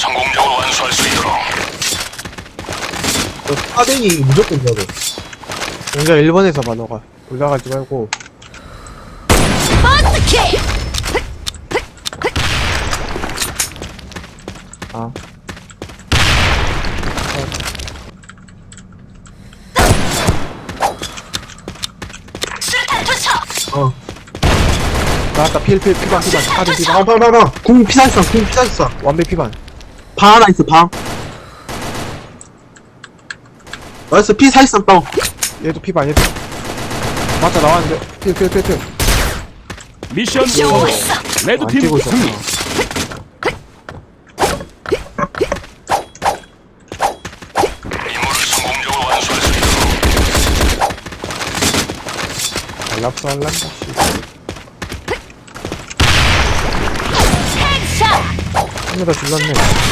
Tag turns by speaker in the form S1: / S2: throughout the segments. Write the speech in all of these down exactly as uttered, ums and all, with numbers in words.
S1: 성공적으로 완수할 수 있도록.
S2: 너 사댕이 무조건 줘야 돼.
S3: 공자 일 번에서 봐, 너가. 올라가지 말고.
S4: 버스킥!
S3: 아.
S4: 수류탄 투척!
S2: 어.
S3: 나왔다, 필, 필, 피반, 피반. 카드 피반.
S2: 방, 방, 방, 방. 궁 피사했어, 궁 피사했어.
S3: 완배 피반.
S2: 방 하나 있어, 방. 나이스, 피사했어, 다운.
S3: 얘도 피반, 얘도. 맞다, 나왔는데. 필, 필, 필, 필.
S5: 미션 성공.
S4: 좋았어!
S3: 안
S5: 레드팀
S3: 뛰고 있었다.
S5: 승리.
S1: 임무를 성공적으로 완수할 수 있도록.
S3: 알랍스 할란다, 씨.
S4: 헤드샷!
S3: 카메라 질렀네.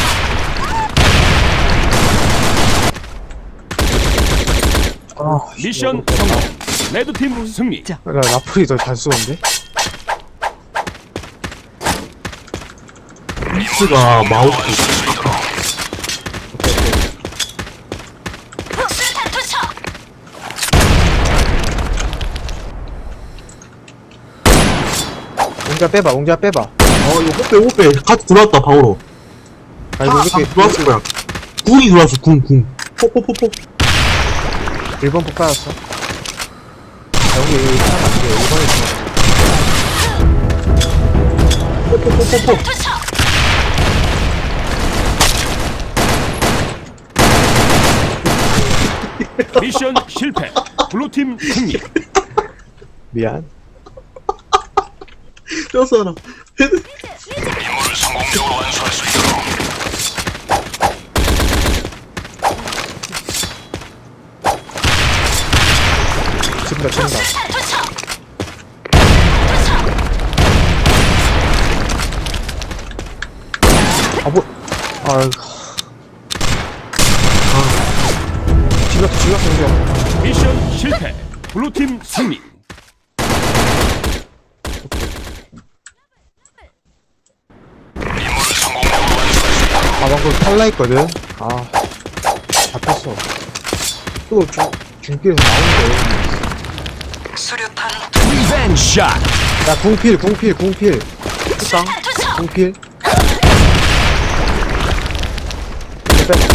S3: 아,
S5: 미션 성공. 레드팀 승리.
S3: 나 라플이 더 잘 쏘는데?
S2: 미스가 마우스.
S1: 완수할 수 있도록.
S4: 수류탄 투척!
S3: 옹자 빼봐, 옹자 빼봐.
S2: 어, 이거 호빼, 호빼. 같이 들어왔다, 방으로.
S3: 아, 이거
S2: 아,
S3: 이렇게
S2: 들어왔을 거야. 궁이 들어왔어, 궁, 궁. 포포포포.
S3: 일 번 폭 받았어. 아, 여기, 여기 사람 안 돼. 일 번에
S2: 포포포포포.
S4: 투척!
S5: 미션 실패. 블루팀 승리.
S3: 미안.
S2: 뼈서라.
S1: 임무를 성공적으로 완수할 수 있도록.
S3: 지금다, 지금다.
S4: 수류탄 투척! 투척!
S3: 아, 뭐, 아이고. 아. 질렀다, 질렀어, 옹자.
S5: 미션 실패. 블루팀 승리.
S1: 임무를 성공적으로 완수할 수 있도록.
S3: 아, 방금 탈라 했거든? 아. 잡혔어. 또, 중, 중길에서 나오는 거야.
S1: 수류탄
S5: 리벤 샷.
S3: 야, 궁필, 궁필, 궁필. tuk상,
S4: 수류탄 투척!
S3: 궁필. 이거 빼봐.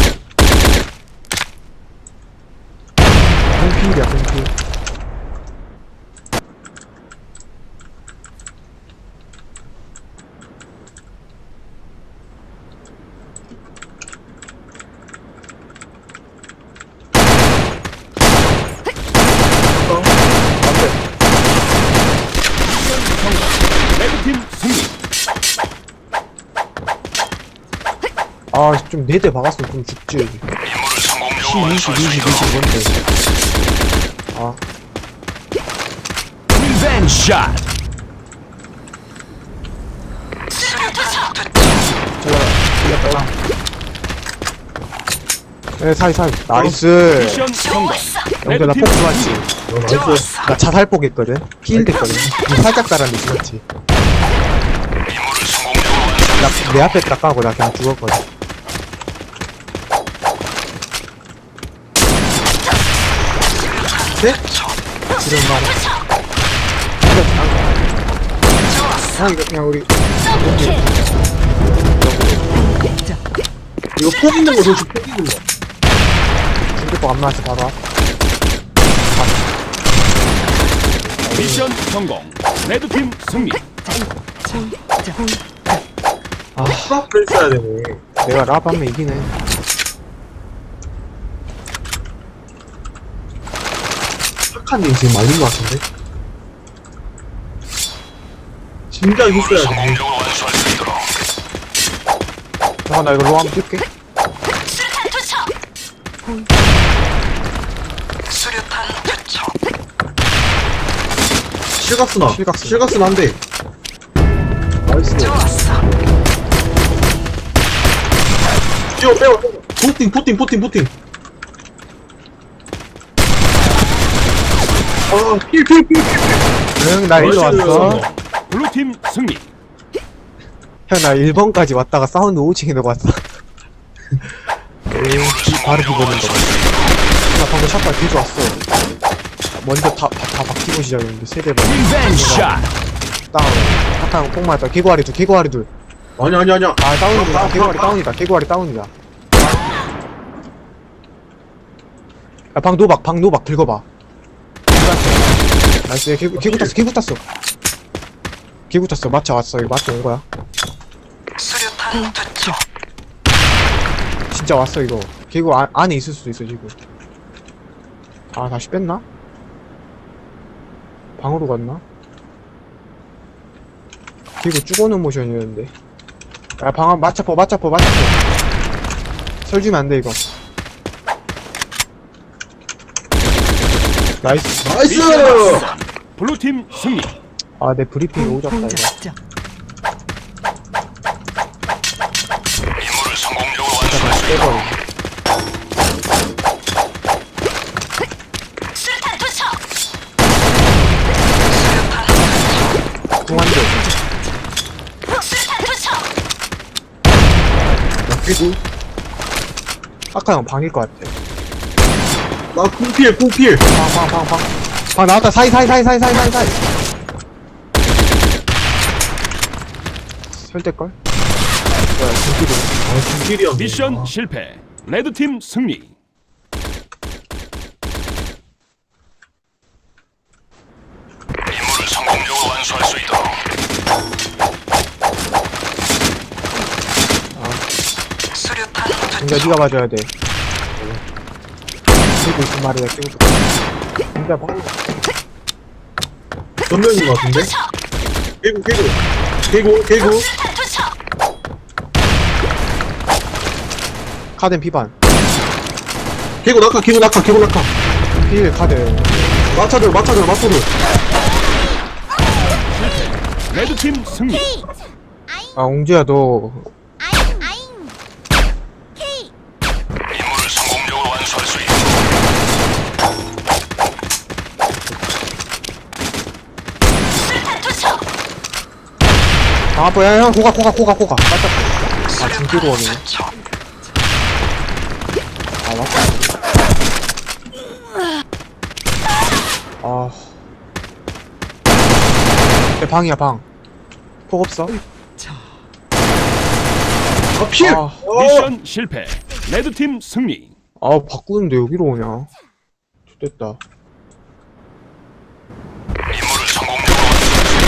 S3: 궁필이야, 궁필.
S5: 레드팀 승리.
S3: 아, 좀 네 대 박았으면 좀 죽지.
S1: 임무를 성공적으로
S3: 십,
S1: 완수할 수
S3: 이십, 이십,
S1: 있도록.
S3: 이십 뭔데. 아,
S5: 리벤 샷.
S4: 수류탄 투척!
S3: 잘라. 네, 사이, 사이. 나이스.
S5: 미션 성공.
S4: 좋았어!
S3: 영대 나폭
S5: 레드팀
S3: 좋았지.
S2: 어, 나이스.
S3: 나 자살폭 했거든? 피일 됐거든? 니 살짝 달았는데 죽었지.
S1: 임무를 성공적으로 완수할 수
S3: 나, 내 앞에 딱 까고 나 그냥 죽었거든. 네? 지금 말
S4: 투척!
S3: 아, 이거 그냥 우리.
S4: 더블킥!
S2: 이거 폭 있는 거 조심, 폭 있는 거.
S3: 중대폭 안 나왔지, 바로 앞.
S5: 미션 성공. 레드팀 승리.
S3: 아,
S2: 프라프를 써야 되네.
S3: 내가 랍 하면 이기네.
S2: 착한님 지금 말린 거 같은데? 진짜
S1: 임무를
S2: 있어야 돼.
S1: 성공적으로 완수할 수 있도록.
S3: 잠깐, 나 이거 로 한번 뛸게.
S4: 수류탄 투척!
S1: 수류탄 투척.
S2: 실각스나.
S3: 실각스.
S2: 실각스나 한 대. 나이스.
S4: 좋았어!
S2: 뛰어, 빼워, 빼워. 포팅, 포팅, 포팅, 포팅. 아, 필, 필, 필, 필.
S3: 응, 나 일로 왔어.
S5: 블루팀 승리.
S3: 형, 나 일 번까지 왔다가 사운드 오칭 해놓고 왔어. 바로
S1: 성공적으로
S3: 비보는 거.
S1: 완수할 수 있도록
S3: 나 방금 샷발 뒤져 왔어. 먼저 다, 다, 다 박히고 시작했는데, 세대 반.
S5: 리벤지 샷.
S3: 다운. 약간 꼭 맞았다. 개구아리 둘, 개구아리 둘.
S2: 아니 아니 아니야.
S3: 아, 다운이다.
S2: 아,
S3: 개구아리
S2: 아,
S3: 다운이다. 개구아리 다운이다. 야, 방 노박, 방 노박, 긁어봐. 나이스, 개구, 개구 탔어, 개구 탔어. 개구 탔어. 마차 왔어. 이거 마차 온 거야.
S4: 수류탄 투척.
S3: 진짜 왔어, 이거. 개구 안, 안에 있을 수도 있어, 지금. 아, 다시 뺐나? 방으로 갔나? 개구 죽어놓은 모션이었는데. 야, 방, 마차포, 마차포, 마차포. 설 주면 안 돼, 이거. 나이스.
S2: 나이스.
S5: 미션 블루팀 승리.
S3: 아, 내 브리핑이 오졌다, 이거.
S1: 임무를 성공적으로 완수할 수 있도록
S3: 빼버려.
S4: 수류탄 투척.
S3: 중한대.
S4: 수류탄 투척.
S2: 그리고
S3: 아까 형 방일 것 같아.
S2: 나 쿵필 쿵필.
S3: 방, 방, 방, 방. 방 나왔다. 사이, 사이, 사이, 사이, 사이, 사이, 사이. 설대걸? 뭐야, 중기로.
S2: 아 쿵필이야.
S5: 미션 실패. 레드팀 승리.
S1: 임무를 성공적으로 완수할 수 있도록
S4: 수류탄
S3: 진짜 니가 봐줘야 돼. 들고 있은 말이야, 끼고 있어. 진짜 봐.
S2: 전면인 것 같은데?
S4: 투척.
S2: 개구 개구 개구 개구.
S4: 수류탄 투척.
S3: 카덴 피반.
S2: 개구 낙하 개구 낙하 개구 낙하.
S3: 필 카드.
S2: 마차들 마차들 마차들.
S5: 레드팀 승리.
S3: 아, 옹주야, 너.
S1: 임무를 성공적으로 완수할 수 있도록
S4: 수류탄 투척.
S3: 아, 뭐야, 형, 고가, 고가, 고가, 고가. 맞다. 아, 중기로 오네. 아, 맞다. 아. 내 방이야, 방. 폭 없어?
S2: 아 필.
S3: 아.
S2: 어.
S5: 미션 실패. 레드팀 승리.
S3: 아, 바꾸는데 여기로 오냐? 됐다.
S1: 임무를 성공적으로 완수할 수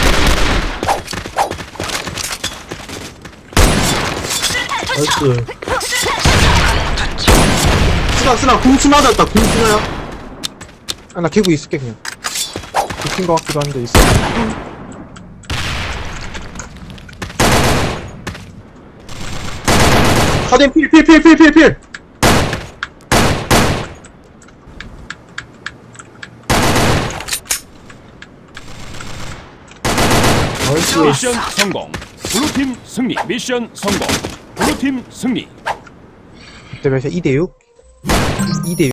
S1: 있도록
S2: 나이스. 스나 스나 궁수 맞았다 궁수나야.
S3: 아, 나 개구 있을게, 그냥. 붙인 것 같기도 한데, 있어.
S2: 카덴 필 필 필 필 필 필. 나이스.
S5: 미션 성공. 블루팀 승리. 미션 성공. 블루팀 승리.
S3: 그때 몇이야? 이 대 육? 이 대 육.